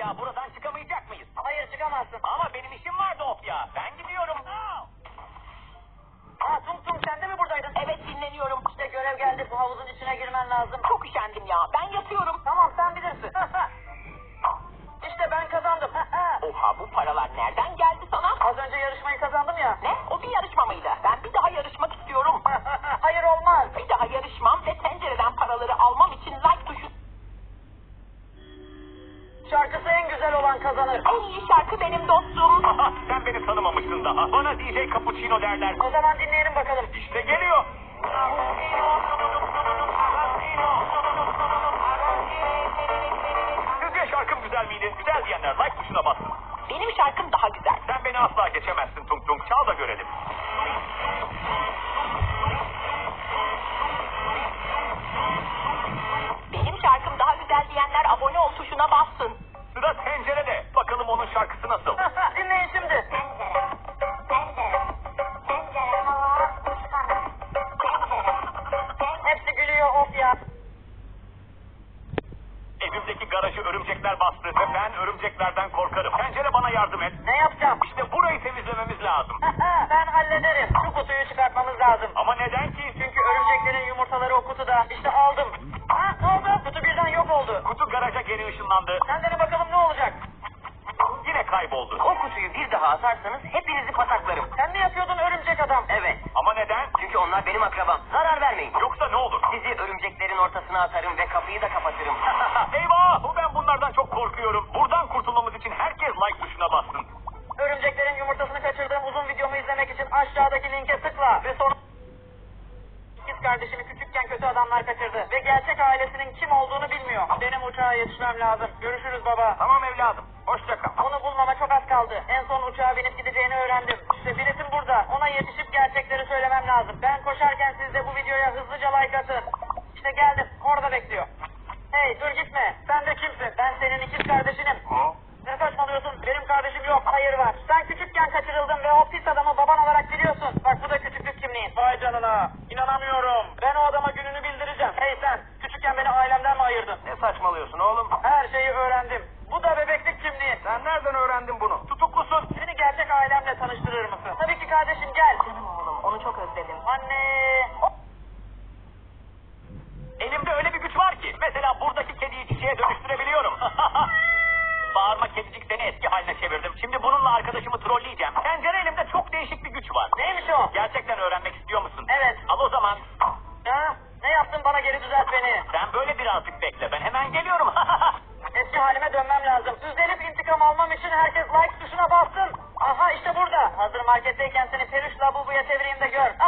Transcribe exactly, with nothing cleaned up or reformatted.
ya, buradan çıkamayacak mıyız? Hayır, çıkamazsın. Ama benim işim vardı of ya. Ben gidiyorum. Aa, Tung Tung sen de mi buradaydın? Evet, dinleniyorum. İşte görev geldi, bu havuzun içine girmen lazım. Çok üşendim ya. Ben yatıyorum. Tamam, sen bilirsin. İşte ben kazandım. Oha, bu paralar nereden geldi sana? Az önce yarışmayı kazandım ya. Ne? O bir yarışma mıydı? Ben bir daha yarışmak istiyorum. Hayır, olmaz. Bir daha yarışmam ve tencereden paraları almam için like tuşu... Şarkısı en güzel olan kazanır. En iyi şarkı benim dostum. Sen beni tanımamışsın daha. Bana D J Cappuccino derler. O zaman dinleyelim bakalım. İşte geliyor. Sizce şarkım güzel miydi? Güzel diyenler like tuşuna bassın. Benim şarkım daha güzel. Sen beni asla geçemezsin Tung Tung. Çal da görelim. Benim şarkım daha güzel diyenler abone ol tuşuna bassın. Sıra tencerede. Bakalım onun şarkısı nasıl? Dinleyin şimdi. Tencere, tencere, tencere hava uçsana. Tencere, tencere. Hepsi gülüyor, of ya. Evimdeki garajı örümcekler bastı ve ben örümceklerden korkarım. Tencere bana yardım et. Ne yapacağım? İşte burayı temizlememiz lazım. Ben hallederim. Şu kutuyu çıkartmamız lazım. Ama neden ki? Çünkü örümceklerin yumurtaları o kutuda. İşte aldım. Ha, ne oldu? Kutu birden yok oldu. Kutu garaja geri ışınlandı. Sen dene bakalım ne olacak? Yine kayboldu. O kutuyu bir daha atarsanız hepinizi pataklarım. Sen mi yapıyordun örümcek adam? Evet. Ama neden? Çünkü onlar benim akrabam. Zarar vermeyin. Yoksa ne olur? Sizi örümceklerin ortasına atarım ve kapıyı da kapatırım. Eyvah! Ben bunlardan çok korkuyorum. Buradan kurtulmamız için herkes like tuşuna bassın. Örümceklerin yumurtasını kaçırdığım uzun videomu izlemek için aşağıdaki linke tıkla ve sonra... İkiz kardeşimi küçükken kötü adamlar kaçırdı ve gerçek ailesinin kim olduğunu bilmiyor. Benim uçağa yetişmem lazım. Görüşürüz baba. Tamam evladım. Hoşça kal. Onu bulmama çok az kaldı. En son uçağa binip gideceğini öğrendim. İşte biletim burada. Ona yetişip gerçekleri söylemem lazım. Ben koşarken siz de bu videoya hızlıca like atın. İşte geldim. Orada bekliyor. Hey, dur gitme. Sen de kimsin? Ben senin ikiz kardeşinim. Ha? Ne saçmalıyorsun? Benim kardeşim yok. Hayır var. Sen küçükken kaçırıldın ve o pis adamı baban olarak biliyorsun. Bak bu da küçüklük kimliğin. Vay canına. İnanamıyorum. Ben o adama gününü bildireceğim. Hey sen, küçükken beni ailemden mi ayırdın? Ne saçmalıyorsun oğlum? Her şeyi öğrendim. Bu da bebeklik kimliğin. Sen nereden öğrendin bunu? Tutuklusun. Seni gerçek ailemle tanıştırır mısın? Tabii ki kardeşim, gel. Canım oğlum, onu çok özledim. Anne. Elimde öyle bir güç var ki. Mesela buradaki kediyi çiçeğe dönüştürebiliyorum. Bağırma kedicik, seni eski haline çevirdim. Şimdi bununla arkadaşımı trolleyeceğim. Tencere elimde çok değişik bir güç var. Neymiş o? Gerçekten öğrenmek istiyor musun? Evet. Al o zaman. Ha? Ne yaptın, bana geri düzelt beni. Sen böyle birazcık bekle. Ben hemen geliyorum. Eski halime dönmem lazım. Üzerip intikam almam için herkes like tuşuna bassın. Aha işte burada. Hazır marketteyken seni peluş labubuya çevireyim de gör.